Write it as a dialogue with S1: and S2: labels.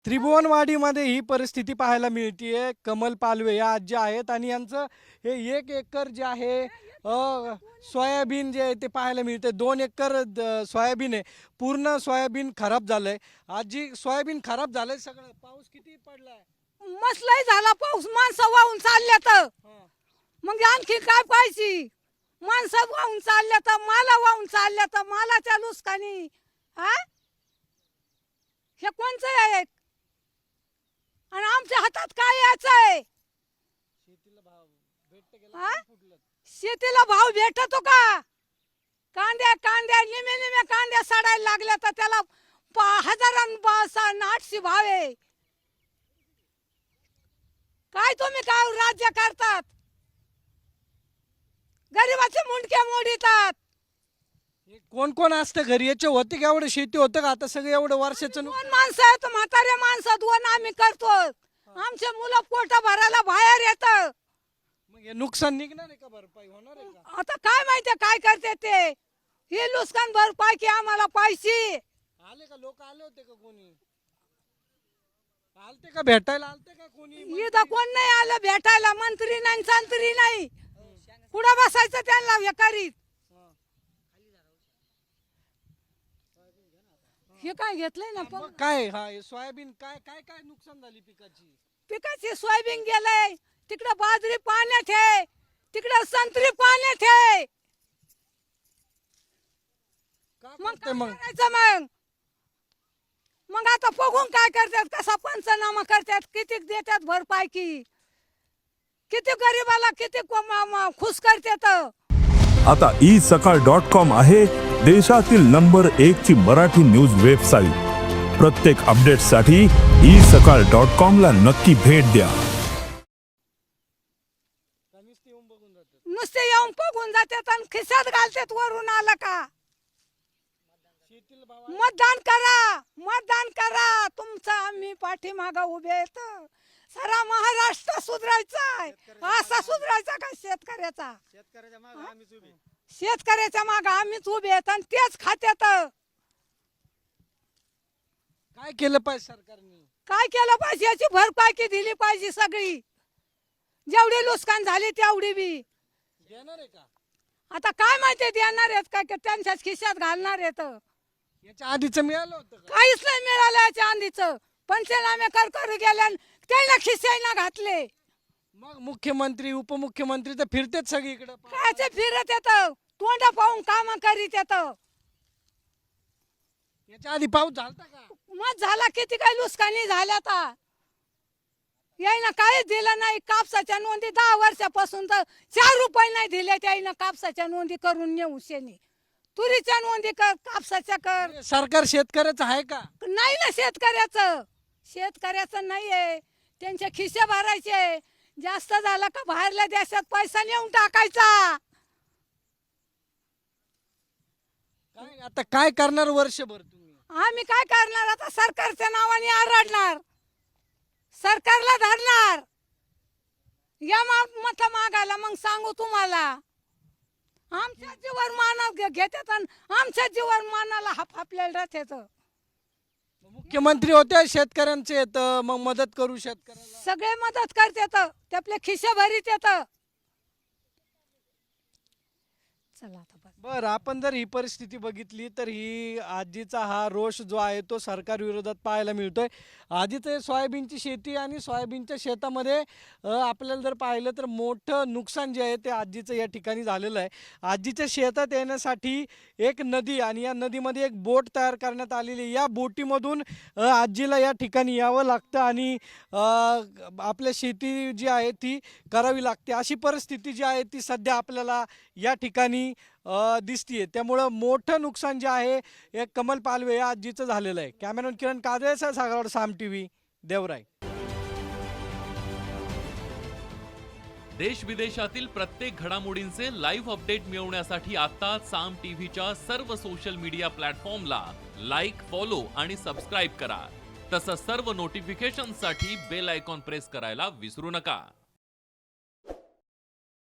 S1: त्रिभुवनवाडीमध्ये ही परिस्थिती पाहायला मिळतीये। कमल पालवे या आजी आहेत आणि यांचं हे 1 एकर जे आहे सोयाबीन जे आहे ते पाहायला मिळते। 2 एकर सोयाबीन आहे, पूर्ण सोयाबीन खराब झालंय। आजी, सोयाबीन खराब झालंय सगळं, पाऊस किती पडलाय?
S2: मसलाही झाला पाऊस, माणसं वाहून चालले तर मग आणखी काय पाहिजे? माणसं वाहून चालले तर माला वाहून चालले तर मालाच्या नुकसानी हा हे कोणचं आहे? आणि आमच्या हातात काय यायचंय? शेतीला भाव भेटतो का? कांद्या निमे निमे कांद्या सडायला लागल्या तर त्याला 1000-800 भाव आहे। काय तुम्ही काय राज्य करतात? गरीबाचे मुंडके मोडीतात।
S1: कोण कोण असतं घरी? याचे होते का एवढं शेती होतं का? आता सगळं एवढं वर्षाचं
S2: 2 माणसं आहेत, म्हातारे माणसं 2 आम्ही करतो। आमचे मुलं पोट भरायला बाहेर येत।
S1: मग हे नुकसान निघणार आहे का? भरपाई होणार आहे का?
S2: आता काय माहिती काय करते ते? हे नुकसान भरपाई की आम्हाला पाहिजे।
S1: आले का लोक? आले होते का कोणी? आलते का भेटायला? आलते का कोणी?
S2: इथं कोण नाही आलं भेटायला, मंत्री नाही संत्री नाही। कुठं बसायचं त्यांना हे करीत? हे काय घेतलंय ना
S1: मग काय सोयाबीन काय काय काय नुकसान झाली पिकाची?
S2: पिकाची सोयाबीन गेलंय, तिकडे बाजरी पाण्यात आहे, तिकडे संत्री पाण्यात आहे।
S1: का
S2: मग
S1: करते
S2: काय
S1: मग?
S2: करायचं? मग आता बघून काय करतात, कसा पंचनामा करतात, किती देतात भरपाई, किती गरीबाला किती खुश करतात।
S3: आता isakal.com आहे देशातील नंबर 1 ची मराठी न्यूज वेबसाईट। प्रत्येक अपडेटसाठी isakal.com ला नक्की भेट द्या।
S2: नुसते येऊन बघून जातात आणि खिशात घालतात। वरून आलं का मतदान करा, मतदान करा, तुमचं आम्ही पाठीमागं उभे आहेत। सारा महाराष्ट्र सुधरायचा आहे, असा सुधरायचा का शेतकऱ्याचा? शेतकऱ्याच्या मागे आम्हीच उभे आहेत आणि तेच खात्यात।
S1: काय केलं पाहिजे सरकारने?
S2: काय केलं पाहिजे? याची भरपाई की दिली पाहिजे सगळी, जेवढी नुकसान झाली तेवढी बी
S1: देणार आहे का?
S2: आता काय माहिती देणार आहेत काय की त्यांच्याच खिशात घालणार आहेत?
S1: याच्या आधीचं मिळालं होतं का?
S2: काहीच नाही मिळालं याच्या आधीचं। पंचनामे कर गेल्या त्याला खिशाईना घातले।
S1: मग मुख्यमंत्री उपमुख्यमंत्री तर फिरतेच सगळीकडे।
S2: कायचे फिरत येत, तोंड पाहून काम करीत येत।
S1: याच्या आधी पाऊस झालता का?
S2: मग झाला, किती काही नुकसानी झाल्या आता। यायना काहीच दिलं नाही। कापसाच्या नोंदी 10 वर्षापासून तर 4 रुपये नाही दिले त्याईनं। कापसाच्या नोंदी करून नेऊ शेनी, तुरीच्या नोंदी कर, कापसाच्या कर।
S1: सरकार शेतकऱ्याचं आहे का?
S2: नाही ना, शेतकऱ्याचं नाही आहे। त्यांचे खिसे भरायचे, जास्त झाला का बाहेरल्या देशात पैसा नेऊन टाकायचा।
S1: काय आता काय करणार वर्षभर तुम्ही?
S2: आम्ही काय करणार? आता सरकारच्या नावाने आरडणार, सरकारला धरणार। या मत मागायला मग सांगू तुम्हाला, आमच्या जीवन मानात घेतात आणि आमच्या जीवन मानाला आपल्याला राहतात।
S1: मुख्यमंत्री होते शेतकऱ्यांचे येत, मग मदत करू शेतकऱ्याला,
S2: सगळे मदत करतात, ते आपले खिसे भरीत येत। चला आता
S1: बरं, आपण जर ही परिस्थिती बघितली तर ही आजीचा हा रोष जो आहे तो सरकार विरोधात पाहायला मिळतोय। आजीचं सोयाबीनची शेती आणि सोयाबीनच्या शेतामध्ये आपल्याला जर पाहिलं तर मोठं नुकसान जे आहे ते आजीचं या ठिकाणी झालेलं आहे। आजीच्या शेतात येण्यासाठी एक नदी आणि या नदीमध्ये एक बोट तयार करण्यात आलेली। या बोटीमधून आजीला या ठिकाणी यावं लागतं आणि आपल्या शेती जी आहे ती करावी लागते। अशी परिस्थिती जी आहे ती सध्या आपल्याला या ठिकाणी दिसतीये। त्यामुळं मोठं नुकसान जे आहे हे कमल पालवे या आजीचं झालेलं आहे। कॅमेरामॅन किरण काजळेसह सागर, साम टीव्ही, देवराई।
S4: देश विदेशातील प्रत्येक घडामोडींचे लाईव्ह अपडेट मिळवण्यासाठी आता साम टीव्हीच्या सर्व सोशल मीडिया प्लॅटफॉर्मला लाईक, फॉलो आणि सबस्क्राईब करा। तसंच सर्व नोटिफिकेशनसाठी बेल आयकॉन प्रेस करायला विसरू नका।